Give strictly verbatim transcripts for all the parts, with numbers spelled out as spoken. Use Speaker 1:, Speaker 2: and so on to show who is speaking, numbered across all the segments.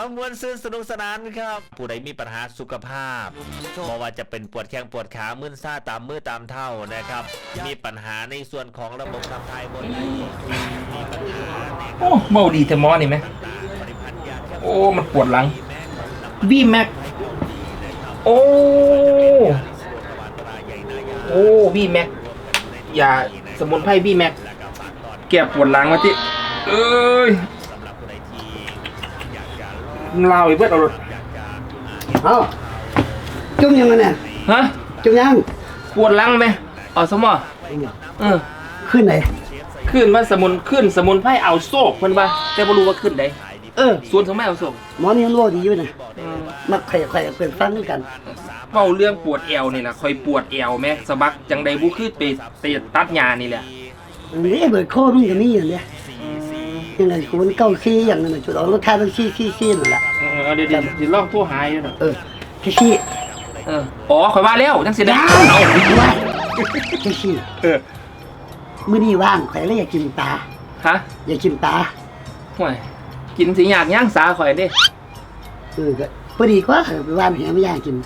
Speaker 1: มวนซื่นสนุกสนานครับผู้ใดมีปัญหาสุขภาพไม่ว่าจะเป็นปวดแข้งปวดขามึนซ่าตามมือตามเท้านะครับมีปัญหาในส่วนของระบบขับถ่ายบนมีปัญหาโอ้
Speaker 2: เมาดีแต่มอนี่ไหมโอ้มันปวดหลังวีแม็กโอ้โอ้วีแม็กอย่าสมุนไพรวีแม็กแก้ปวดหลังมาที่เอ้ยลาวอีกเพื่อนเอารถ
Speaker 3: เอ้าจุ่มยังไงเนี่ย
Speaker 2: ฮะ
Speaker 3: จุ่มยัง
Speaker 2: ปวดหลังไหมอ๋อสมอเออ
Speaker 3: ขึ้นไหน
Speaker 2: ขึ้นมาสมุนขึ้นสมุนไพรเอาโซกเพิ่นว่าแต่บ่รู้ว่าขึ้นได้
Speaker 3: เออ
Speaker 2: ส่วนสมุนไพรเอาโซก
Speaker 3: หมอนี่รู้ดีอยู่นะมักไข่ไข่เปิดฟังกัน
Speaker 2: เว้าเรื่องปวดเอวนี่ล่ะค่อยปวดเอวแม่สะบักจังได๋บ่คือไปไปตัดหญ้านี่แหละ
Speaker 3: นี่เบิดโคมึงก็มีอย่างเนี้ยยังไงกูมันเก้าขี้อย่างนั้นจุดเอารถท้ายมันขี้ขี้ขี้นั่นแหละ
Speaker 2: เออเดี๋ยวเดี๋ยวสิลองโทรหาอยู่น่ะ
Speaker 3: เออขี้ขี้
Speaker 2: เอออ๋อข่อยว่าแล้วจังสิได้
Speaker 3: เอาว่าขี้ขี้
Speaker 2: เออ
Speaker 3: มื้อนี้ว่างข่อยเลยอยากกินปลา
Speaker 2: ฮะ
Speaker 3: อยากกินปลา
Speaker 2: ห่วยกินสิยากย่างสาข่อยเด้
Speaker 3: เออก็พอดีกว่าไปว่านแหไม่ย่างกิน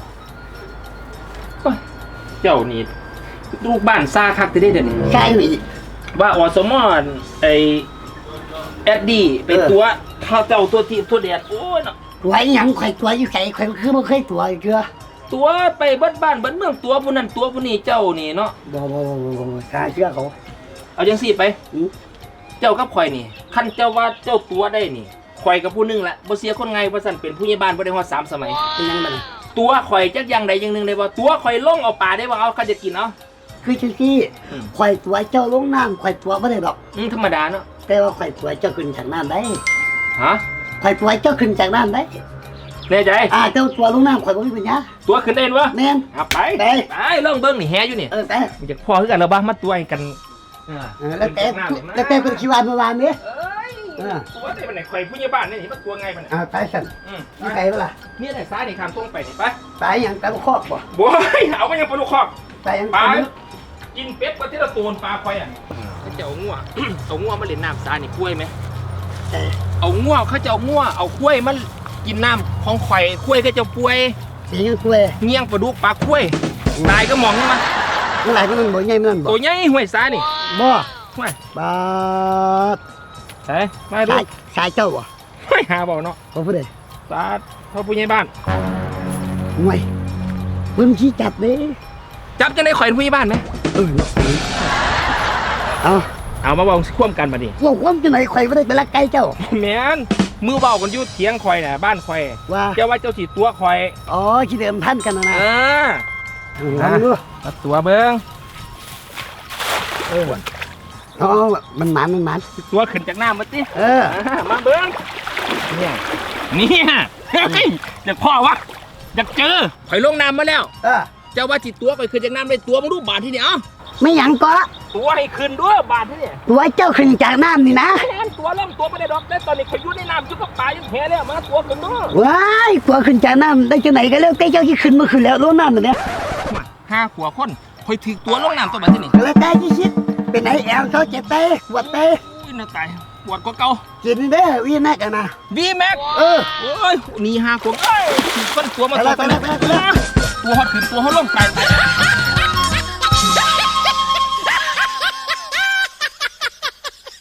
Speaker 2: เจ้านี่ลูกบ้านซาคักจะได้เดี๋ยวนี้
Speaker 3: ใช่ไหม
Speaker 2: ว่าอสมอนไอแอดดี้เป็นตัวข้าวเจ้าตัวที่ตัวเดียดโอ้ยเนาะ
Speaker 3: ตัวยังไข่ตัวอยู่ไข่ไข่คือมันเคยตัวเกลือ
Speaker 2: ตัวไปเบิ้ลบ้านเบิ้ลเมืองตัวผู้นั้นตัวผู้นี้เจ้านี่เนาะ
Speaker 3: บ่บ่บ่บ่บ่กล้าเชื่อเขา
Speaker 2: เอาจังสี่ไปเจ้ากับข่อยนี่คันเจ้าว่าเจ้าตัวได้นี่ข่อยกับผู้นึงแหละบ่เสียคนไงว่าสั่นเป็นผู้ใหญ่บ้านบ่ได้ฮอดสามสมัย
Speaker 3: เป็นยังไง
Speaker 2: ตัวข่อยจักอย่างใดอย่างหนึ่งได้บ่ตัวข่อยล่องเอาปลาได้บ่เอาเขาจะกินเอา
Speaker 3: คือจังซี่ข่อยตัวเจ้าลงน้ำข่อยตัวบ่ได้ดอก
Speaker 2: อืมธรรมดาเนาะ
Speaker 3: แต่ว่าข่อยตัวเจ้าขึ้นจากน้ำได้
Speaker 2: ฮะ
Speaker 3: ข่อยตัวเจ้าขึ้นจากน้ำได้
Speaker 2: แน่ใจ
Speaker 3: อ่าเจ้าตัวลงน้ำข่อยบ่มีปัญญา
Speaker 2: ตัวขึ้นได้บ่
Speaker 3: แม่น
Speaker 2: อ่ะไป
Speaker 3: ไป
Speaker 2: ไปลองเบิ่งนี่แฮอยู่นี่
Speaker 3: เออไป
Speaker 2: อยากพอคือกันแล้วบ่มาตัวกัน
Speaker 3: เออแล้วแต่แล้วแต่เป็นคิวานเมื่อวานนี้
Speaker 2: เออตัวได้มันไหนข่อยผู้ใหญ่บ้านนี่มันตัวไงมัน
Speaker 3: อ่าไปสั่นอืมมีใครบ่ล่ะ
Speaker 2: มีแต่ซ้ายนี่ข้ามตรงไปนี่ไป
Speaker 3: ไปหยังตะลุคอกบ่
Speaker 2: บ่เอาไปยังปลาลูกคอก
Speaker 3: ไปหยัง
Speaker 2: ปลากินเป็ดกว่าที่เราตูนปลาข่อยอ่ะเขาจะเอางัวเอางัวมาเล่นน้ำซ้ายนี่กล้วยมั้ยเอางัวเขาจะเอางัวเอากล้วยมันกินน้ำของข่อยกล้วยก็จะป่วย
Speaker 3: เสียงกล้วย
Speaker 2: เงี้ยงปลาดุกปลากล้วยตายก็มองนี่มัน
Speaker 3: มันหลายมันบ่ใหญ่มันบ่
Speaker 2: ตัวใหญ่ห้วยซ้ายนี่
Speaker 3: บ่
Speaker 2: ห้วย
Speaker 3: บาด
Speaker 2: ใช่มาดู
Speaker 3: สายเจ้าบ่
Speaker 2: ไม่หาบ่เนาะ
Speaker 3: บ่ผู้ใด
Speaker 2: ตาพ่อผู้ใหญ่บ้าน
Speaker 3: ห่วยเพิ่นขี้จับเด้
Speaker 2: จับจังได๋ข่อยผู้ใหญ่บ้านมั้ย
Speaker 3: เออเอา
Speaker 2: เอามาเว้าควมกันบัดนี้
Speaker 3: เว้าควมจังได๋ข่อยบ่ได้ไปลักไก่เจ้า
Speaker 2: แม่นมือเว้ากันอยู่เถียงข่อยน่ะบ้านข่อย
Speaker 3: ว่า
Speaker 2: เจ้าว่าเจ้าสิตัวข่อย
Speaker 3: อ๋อสิเดิมพันกันน่ะนะ
Speaker 2: เออ
Speaker 3: เอาดู
Speaker 2: เอาตัวเบิ่งเออ
Speaker 3: อ๋อมันหมานมันหมาน
Speaker 2: ตัวขึ้นจากน้ำมาติ
Speaker 3: เออ
Speaker 2: มาเบิ่งเนี่ยเนี่ยอยากพ่อวะอยากเจอข่อยลงน้ำมาแล้ว
Speaker 3: เออ
Speaker 2: เจ้าว่าจิตตัวข่อยขึ้นจากน้ำได้ตัวมึงดูบาทที่นี่เอ้า
Speaker 3: ไม่หยังก็
Speaker 2: ตัวให้ขึ้นด้วยบาทที่นี่
Speaker 3: ตัวเจ้าขึ้นจากน้ำนี่นะ
Speaker 2: ตัวเริ่มตัวไม่ได้ดอกแต่ตอนนี้ข่อยอยู่ในน้ำอยู่กับปลาอยู่แห่แล้วมาตัวขึ้นด้วย
Speaker 3: ว้ายตัวขึ้นจากน้ำได้จังไหนก็แล้วแต่เจ้าที่ขึ้นมาขึ้นแล้วลงน้ำเนี่ย
Speaker 2: ห้าขวบคนข่อยถือตัวลงน้ำตัวแบบที่นี่
Speaker 3: แล้วแต่ที่คิดเป็นไหนแอลเขาเจ็บเตะปวดเตะ
Speaker 2: อุ้ยน่าตายปวดกว่าเก่า
Speaker 3: กินเด้อวีแม็กกันนะ
Speaker 2: วีแม็ก
Speaker 3: เออ
Speaker 2: โอ้ยนี่ห้าขวบเอ้ยคนตัวมาตัวไปแล้วตัวฮอดขึ้นตัวเขาลงไป